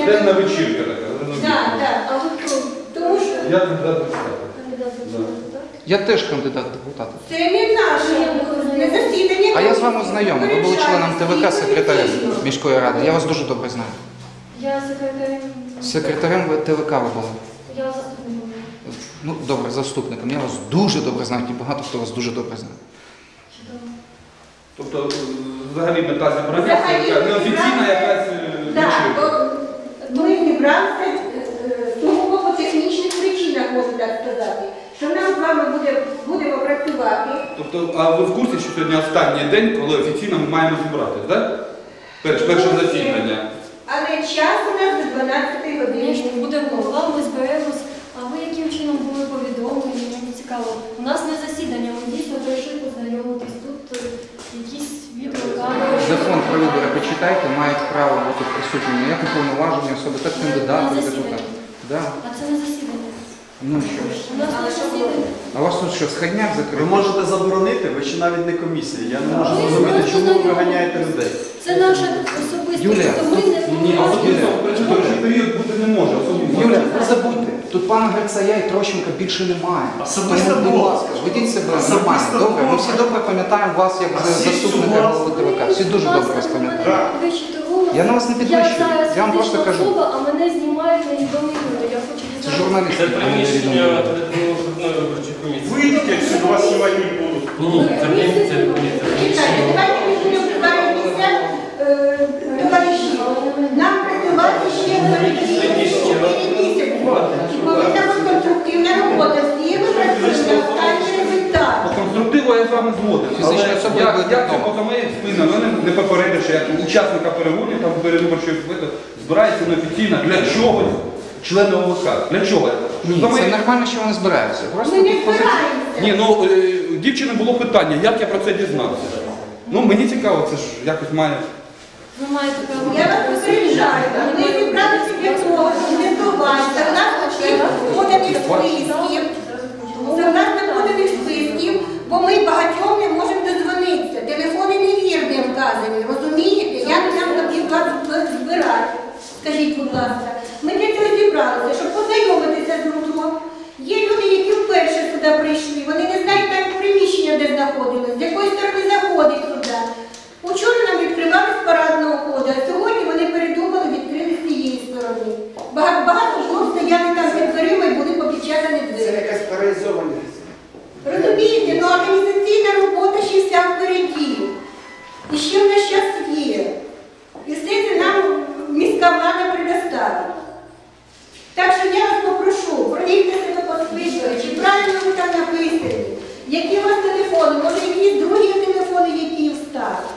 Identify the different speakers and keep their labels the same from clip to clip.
Speaker 1: Денна вечірка така.
Speaker 2: Так. Тому що...
Speaker 1: Я кандидат депутата.
Speaker 3: Я теж кандидат депутата.
Speaker 2: Це не наше, не засідання.
Speaker 3: А я з вами знайомий. Ви були членом ТВК, секретарем міської ради. Я вас дуже добре знаю.
Speaker 4: Я секретарем.
Speaker 3: Секретарем ТВК ви були.
Speaker 4: Я заступником.
Speaker 3: Ну, добре, заступником. Я вас дуже добре знаю, і багато хто вас дуже добре знає.
Speaker 1: Тобто, взагалі мета зібрання це така неофіційна якась вечірка.
Speaker 2: Ми зібралися сугубо по технічних причинах, можу так сказати. Що нам з вами будемо працювати.
Speaker 1: Тобто, а ви в курсі, що сьогодні останній день, коли офіційно ми маємо зібратися, так? Перше засідання.
Speaker 2: Але час у нас до 12 години.
Speaker 4: Буде голова, ми зберемось. А ви яким чином були повідомлені? Мені цікаво. У нас не засідання, ми дійсно прийшли познайомитись. Тут якісь відеокамери.
Speaker 3: Закон про вибори почитайте, мають право бути присутніми як уповноважені особи, так кандидати в депутати. Да.
Speaker 4: А це не засідання.
Speaker 3: Ну що?
Speaker 4: У нас не засідання.
Speaker 3: А у вас тут що, сходняк
Speaker 5: Ви
Speaker 3: закритий?
Speaker 5: можете заборонити, ви ще навіть не комісія. Я не можу зрозуміти, чому ви виганяєте людей.
Speaker 4: Це наша особиста.
Speaker 3: Юлія,
Speaker 1: Ні, особисто в перший період бути не може.
Speaker 3: Юля, не забудьте, тут пана Грицая і Трощенка більше немає.
Speaker 5: Особисто
Speaker 3: Тому, будь
Speaker 5: було.
Speaker 3: ласка, ведіть себе
Speaker 5: Особисто
Speaker 3: нормально, добре? Ми
Speaker 5: було.
Speaker 3: всі добре пам'ятаємо вас як заступника голови ТВК. Всі дуже добре вас пам'ятаємо. Я на вас не підвищую, я вам просто кажу.
Speaker 4: А мене знімають невідомі люди. Я хочу
Speaker 3: Це
Speaker 4: дізнатися.
Speaker 3: журналісти.
Speaker 6: Це приміщення окружної виборчої комісії.
Speaker 7: Вийдіть, якщо вас знімати не будуть.
Speaker 6: Ні, це приміщення.
Speaker 2: Давайте ми будемо збиратися товариші. Нам працювати ще 4 місяці. І повинна бути конструктивна робота. Всі ми працюємо на останній результат.
Speaker 1: По конструктиву я з вами згоден.
Speaker 3: Фізична
Speaker 1: Але
Speaker 3: особа
Speaker 1: як
Speaker 3: буде
Speaker 1: це
Speaker 3: вдома.
Speaker 1: поза моєю спиною, мене не попередивши, як учасника перегонів, там передвиборчої квиту, збирається неофіційно для чогось члени ОВК. Для чого?
Speaker 3: Ні, це нормально, що вони збираються. Просто
Speaker 2: Ми не
Speaker 3: тут позиція.
Speaker 2: збираємося.
Speaker 1: Ні, ну дівчини було питання, як я про це дізнався. Ну мені цікаво, це ж якось має.
Speaker 4: Ви маєте право.
Speaker 2: Я вас попереджаю. Ми зібралися для того, щоб не здаватися. У нас всіх поданих списків. Согласно поданих списків, бо ми багатьом не можемо дозвонитися. Телефони невірні вказані, розумієте? Як нам тоді вас збирати? Скажіть, будь ласка. Ми для цього зібралися, щоб познайомитися з друг другом. Є люди, які вперше сюди прийшли, вони не знають навіть приміщення, де знаходилось, з якої сторони заходить сюди. Учора нам відкривали з парадного входу, а сьогодні вони передумали, відкрили з цієї сторони. Багато жінок стояли там під дверима і були попечатані двері.
Speaker 7: Це якась паралізованість.
Speaker 2: Розумієте, ну організаційна робота ще вся впереді. І ще в нас час є. І все це нам міська влада предоставить. Так що я вас попрошу, провірте себе по списку, чи правильно ви там написані, які у вас телефони, може якісь другі телефони, які встали.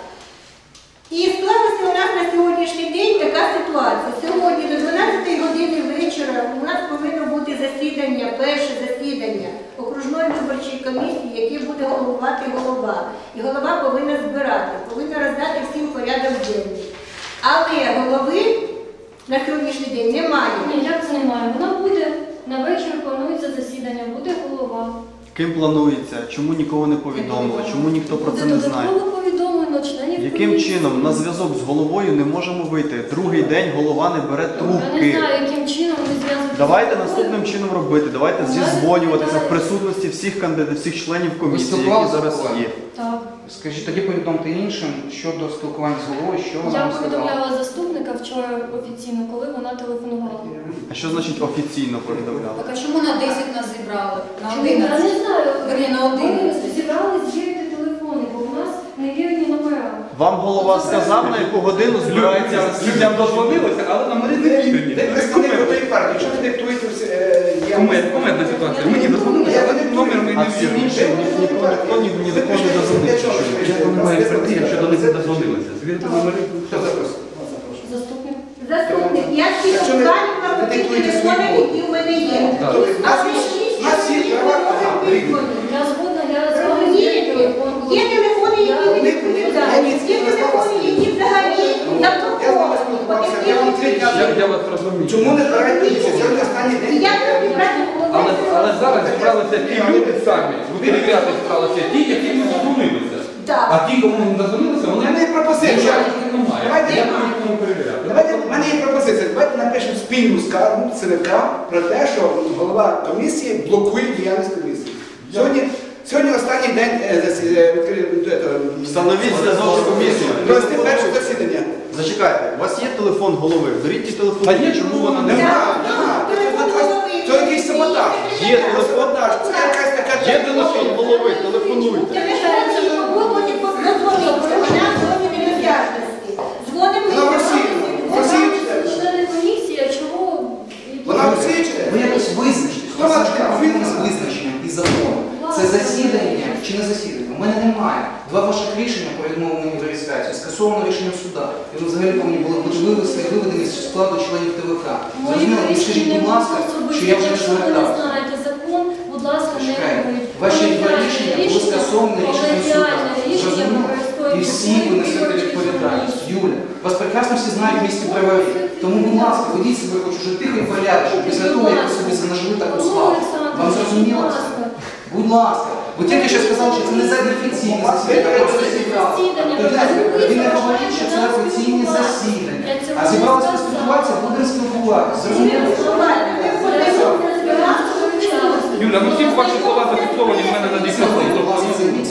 Speaker 2: І склалася у нас на сьогоднішній день така ситуація. Сьогодні до 12 години вечора у нас повинно бути засідання, перше засідання окружної виборчої комісії, яке буде головувати голова. І голова повинна збирати, повинна роздати всім порядок денний. Але голови на сьогоднішній день немає.
Speaker 4: Ні, як це немає? Вона буде, на вечір планується засідання, буде голова.
Speaker 5: Ким планується? Чому нікого не повідомили? Чому ніхто про це не знає?
Speaker 4: Додатково повідомлено членів
Speaker 5: Яким
Speaker 4: комісії.
Speaker 5: чином на зв'язок з головою не можемо вийти? Другий день голова не бере
Speaker 4: Я не
Speaker 5: трубки.
Speaker 4: знаю, яким чином ви зв'язуєтеся.
Speaker 5: Давайте наступним чином робити. Давайте зізвонюватися в присутності всіх кандидатів, всіх членів комісії, які
Speaker 3: спілкувалися
Speaker 5: зараз
Speaker 3: з головою?
Speaker 5: є.
Speaker 4: Так.
Speaker 3: Скажіть, тоді повідомте іншим щодо спілкування з головою, що вона
Speaker 4: Я
Speaker 3: вам сказала.
Speaker 4: повідомляла заступника вчора офіційно, коли вона телефонувала.
Speaker 5: А що значить офіційно повідомляли?
Speaker 8: Так а чому на 10 нас зібрали? На
Speaker 4: Чому? Я
Speaker 8: 11?
Speaker 4: не знаю.
Speaker 8: Верні, на 11.
Speaker 4: Ми зібрали звірити телефони, бо у нас невірні номера.
Speaker 5: Вам голова сказав, на яку годину збирається
Speaker 1: Людям
Speaker 5: засідання?
Speaker 1: дозвонилися, але номери не вірні.
Speaker 7: Де представник одної партії? Якщо ви диктуєте
Speaker 1: Кумедна ситуація. Мені дозвонилися, але номер ми
Speaker 5: А
Speaker 1: не
Speaker 5: всі
Speaker 1: вірні.
Speaker 5: інші ні до кого не дозвонився.
Speaker 1: Як вони мають прийти, якщо до них не дозвонилися? Звірити номери?
Speaker 7: Хто запросив?
Speaker 4: Заступник.
Speaker 2: Заступник, я всі
Speaker 7: Якщо ви
Speaker 2: шукаю на тих
Speaker 7: диктуєте
Speaker 2: телефонах,
Speaker 7: свої
Speaker 2: які в мене є.
Speaker 1: Так.
Speaker 2: Але
Speaker 7: У нас є права,
Speaker 4: Я згодна, я з вами
Speaker 2: розумієте,
Speaker 4: телефон.
Speaker 2: є телефони, які не відповідають, є телефони, які взагалі заблоковані.
Speaker 1: Я вас розумію.
Speaker 7: Чому не збираєте місяць? Сьогодні останній день.
Speaker 2: Я
Speaker 1: Але зараз зібралися ті люди самі, ви перевіряти зібралися ті, які не дозвонилися.
Speaker 2: Так.
Speaker 1: А ті, кому не дозвонилися,
Speaker 7: У
Speaker 1: вони
Speaker 7: мене є пропозиція.
Speaker 1: немає.
Speaker 7: Давайте
Speaker 1: Я буду нікому перевіряти.
Speaker 7: Давайте, в мене є пропозиція. Давайте напишемо спільну скаргу ЦВК про те, що голова комісії блокує діяльність комісії. Сьогодні останній день
Speaker 5: Встановіть зв'язок з комісією.
Speaker 7: провести перше засідання.
Speaker 5: Зачекайте, у вас є телефон голови? Беріть ті телефон.
Speaker 1: Та є, чому вона не
Speaker 7: Нема. Це якийсь саботаж.
Speaker 5: Є телефон,
Speaker 7: Це якась така
Speaker 5: є телефон голови, телефонуйте.
Speaker 7: Вона в Росії. В Росії читає.
Speaker 4: Члени комісії, а чого?
Speaker 7: Вона в Росії читає.
Speaker 3: Ви якось визначтесь, у вас завжди проблеми з визначенням і законом. Це засідання чи не засідання? У мене немає. Два ваших рішення про відмову мені в реєстрації скасовано рішенням суда. І ви взагалі повинні були бути виведені з складу членів ТВК. Зрозуміло, ви скажіть, будь ласка, що я вже не
Speaker 4: Якщо ви не
Speaker 3: звертався.
Speaker 4: знаєте закон, будь ласка, не
Speaker 3: Чекайте,
Speaker 4: робіть.
Speaker 3: ваші два рішення були скасовані рішенням суда. Зрозуміло? І всі ви несете відповідальність. Юля, вас прекрасно всі знають в місті правові. Тому, будь ласка, ведіть себе хоч уже тихо і порядочно, після того, як ви собі занажили таку славу. Вам зрозуміло це? Будь ласка. Ви тільки що сказали, що це не неофіційне засідання, а просто зібрали. Тоді не говоріть, що це офіційне засідання. А зібралися поспілкуватися, будемо спілкуватися. Зрозуміло?
Speaker 1: Юля, ну всі ваші слова зафіксовані в мене на диктофоні.